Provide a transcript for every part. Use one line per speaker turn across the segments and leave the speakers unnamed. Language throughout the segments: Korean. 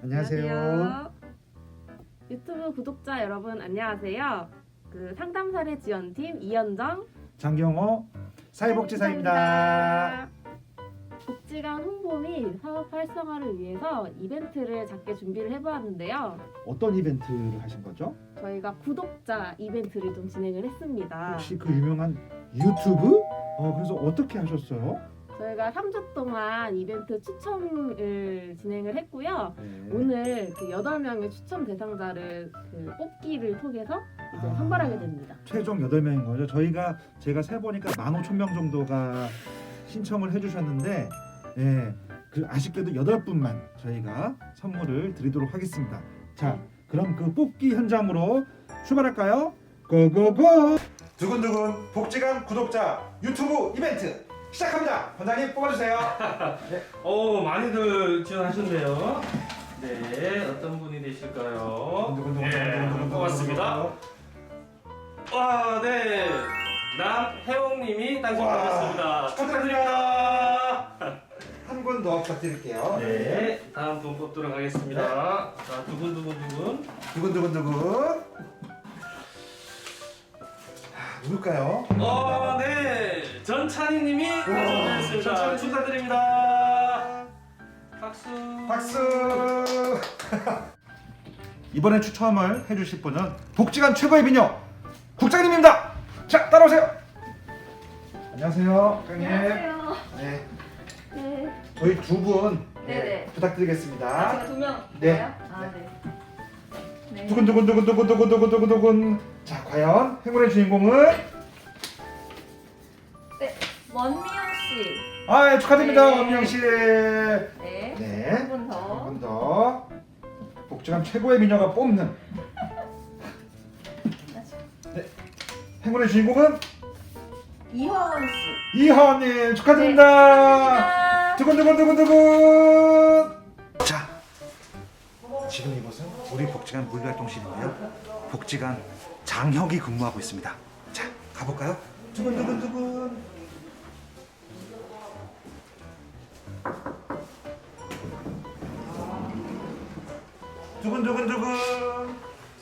안녕하세요.
유튜브 구독자 여러분 안녕하세요. 상담사례 지원팀 이현정
장경호 사회복지사입니다.
복지관 홍보 및 사업 활성화를 위해서 이벤트를 작게 준비를 해보았는데요.
어떤 이벤트를 하신 거죠?
저희가 구독자 이벤트를 좀 진행을 했습니다.
혹시 그 유명한 유튜브? 그래서 어떻게 하셨어요?
저희가 3주 동안 이벤트 추첨을 진행을 했고요.
네.
오늘 8명의 추첨 대상자를 뽑기를 통해서 이제 선발하게 됩니다.
최종 8명인 거죠. 제가 세보니까 15,000명 정도가 신청을 해주셨는데, 아쉽게도 8분만 저희가 선물을 드리도록 하겠습니다. 자, 그럼 그 뽑기 현장으로 출발할까요? 고고고! 두근두근 복지관 구독자 유튜브 이벤트 시작합니다. 원장님 뽑아주세요.
많이들 지원하셨네요. 네, 어떤 분이 되실까요? 네, 뽑았습니다. 와, 네, 남혜옥님이 당첨되셨습니다. 축하드립니다.
한 분 더 부탁드릴게요.
네, 다음 분 뽑도록 하겠습니다. 자, 두근두근.
두근두근두근. 누굴까요?
네, 전찬희님이 당첨되셨습니다.
전찬희.
축하드립니다. 박수.
박수. 이번에 추첨을 해주실 분은 복지관 최고의 미녀 국장님입니다. 자, 따라오세요. 안녕하세요, 국장님.
안녕하세요.
네,
네.
저희 두 분
네네.
부탁드리겠습니다.
제가 2명.
네.
네.
두근두근두근두근두근두근두근. 자, 과연 행운의 주인공은?
네. 원미영 씨.
축하드립니다,
네.
원명 씨.
네.
네.
한 분 더.
한 분 더. 복지관 최고의 미녀가 뽑는. 네. 행운의 주인공은
이화원 씨.
이하원님 축하드립니다.
네.
두근두근두근두근. 자, 지금 이곳은 우리 복지관 물류활동실인데요. 복지관 장혁이 근무하고 있습니다. 자, 가볼까요? 두근두근두근. 두근두근두근.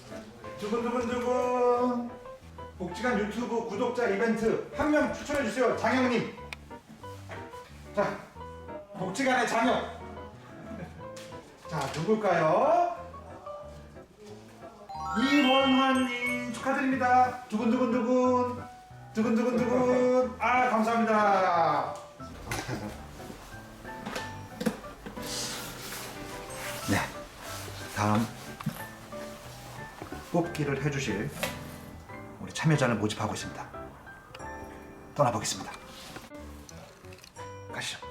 두근두근두근. 복지관 유튜브 구독자 이벤트 한 명 추천해 주세요, 장혁님. 자, 복지관의 장혁. 자, 누굴까요? 이원환님 축하드립니다. 두근두근두근. 두근두근두근. 감사합니다. 네, 다음 뽑기를 해주실 우리 참여자를 모집하고 있습니다. 떠나보겠습니다. 가시죠.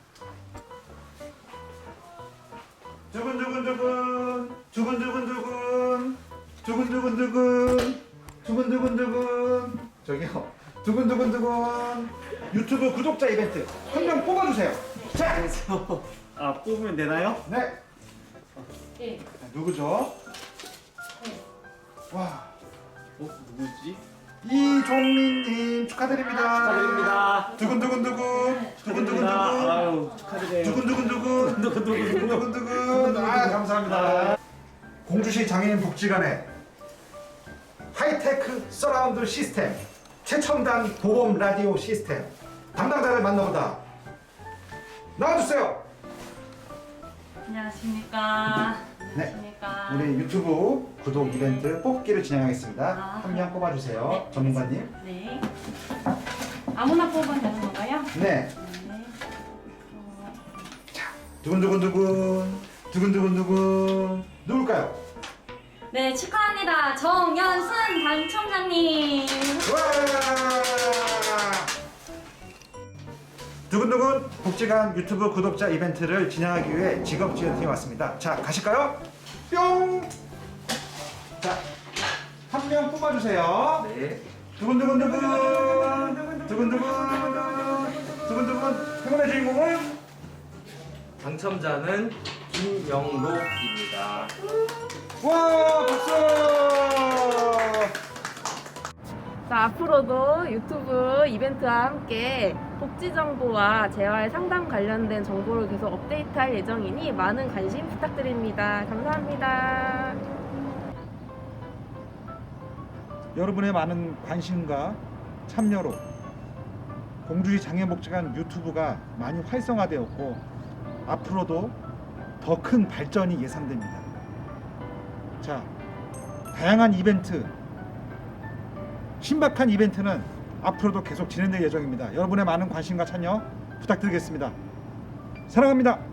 두근두근두근. 두근두근두근. 두근두근두근. 두근두근두근. 저기요. 두근두근두근. 유튜브 구독자 이벤트 한 명 뽑아주세요. 자,
뽑으면 되나요?
네.
네.
누구죠? 와,
누구지?
이종민님 축하드립니다.
축하드립니다.
두근두근두근. 두근두근두근.
아유, 축하드려요.
두근두근두근. 두근두근두근. 감사합니다. 공주시 장애인 복지관의 하이테크 서라운드 시스템 최첨단 보험 라디오 시스템 담당자를 만나보다. 나와주세요.
안녕하십니까.
네.
안녕하십니까.
우리 유튜브 구독 이벤트 뽑기를 진행하겠습니다. 한 명 뽑아주세요.
네.
전문가님.
네. 아무나 뽑으면 되는 건가요?
네.
네.
두근두근두근. 두근두근두근. 누굴까요?
네, 축하합니다. 정연순 당첨자님.
와! 두근두근 복지관 유튜브 구독자 이벤트를 진행하기 위해 직업지원팀이 왔습니다. 자, 가실까요? 뿅! 자, 한 명 뽑아주세요.
네.
두근두근두근. 두근두근. 두근두근. 행운의 주인공은?
당첨자는 김영록입니다.
와, 박수!
자, 앞으로도 유튜브 이벤트와 함께 복지 정보와 재활 상담 관련된 정보를 계속 업데이트할 예정이니 많은 관심 부탁드립니다. 감사합니다.
여러분의 많은 관심과 참여로 공주시 장애복지관 유튜브가 많이 활성화되었고 앞으로도 더 큰 발전이 예상됩니다. 자, 다양한 이벤트, 신박한 이벤트는 앞으로도 계속 진행될 예정입니다. 여러분의 많은 관심과 참여 부탁드리겠습니다. 사랑합니다.